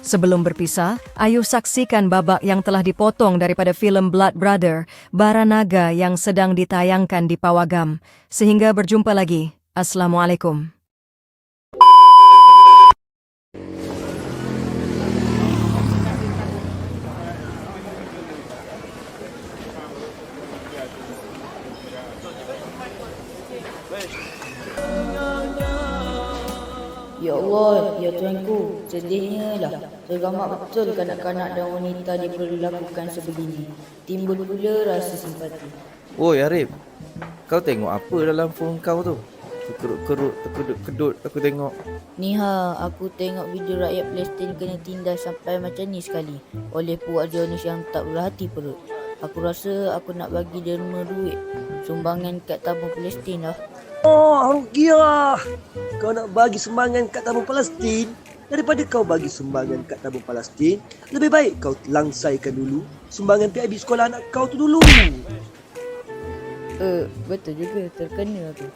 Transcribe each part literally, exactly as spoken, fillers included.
Sebelum berpisah, ayo saksikan babak yang telah dipotong daripada filem Blood Brother, Baranaga yang sedang ditayangkan di Pawagam. Sehingga berjumpa lagi. Assalamualaikum. Ya Allah, ya Tuanku, sedihnya lah. Tergamak betul kanak-kanak dan wanita diperlakukan sebegini. Timbul pula rasa simpati. Oi Arif, kau tengok apa dalam phone kau tu? Terkerut-kerut, terkedut-kedut aku tengok. Ni ha, aku tengok video rakyat Palestin kena tindas sampai macam ni sekali oleh puak Zionis yang tak berhati perut. Aku rasa aku nak bagi derma duit sumbangan kat tabung Palestin lah. Oh, Rukiah, kau nak bagi sumbangan kat tabung Palestin? Daripada kau bagi sumbangan kat tabung Palestin, lebih baik kau langsaikan dulu sumbangan P I B sekolah anak kau tu dulu. Eh, betul juga, terkena aku.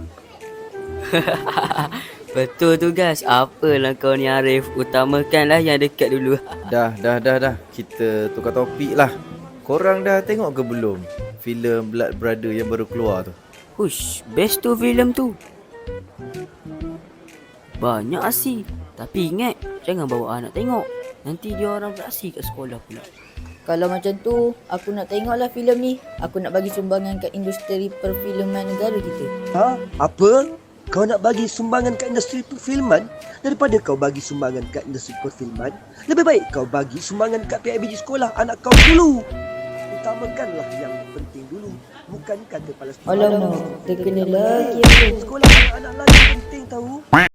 Betul tu guys, apalah kau ni Arif, utamakanlah yang dekat dulu. Dah, dah, dah, dah. Kita tukar topik lah. Korang dah tengok ke belum filem Blood Brother yang baru keluar tu? Hush, best tu filem tu. Banyak aksi. Tapi ingat, jangan bawa anak tengok. Nanti dia orang beraksi kat sekolah pula. Kalau macam tu, aku nak tengoklah filem ni. Aku nak bagi sumbangan kat industri perfilman negara kita. Ha? Apa? Kau nak bagi sumbangan kat industri perfilman? Daripada kau bagi sumbangan kat industri perfilman, lebih baik kau bagi sumbangan kat P I B G sekolah anak kau dulu. Utamakanlah yang penting dulu, bukan kata Palestin. Alamak, terkena lagi aku. Sekolah anak-anak lagi penting tahu.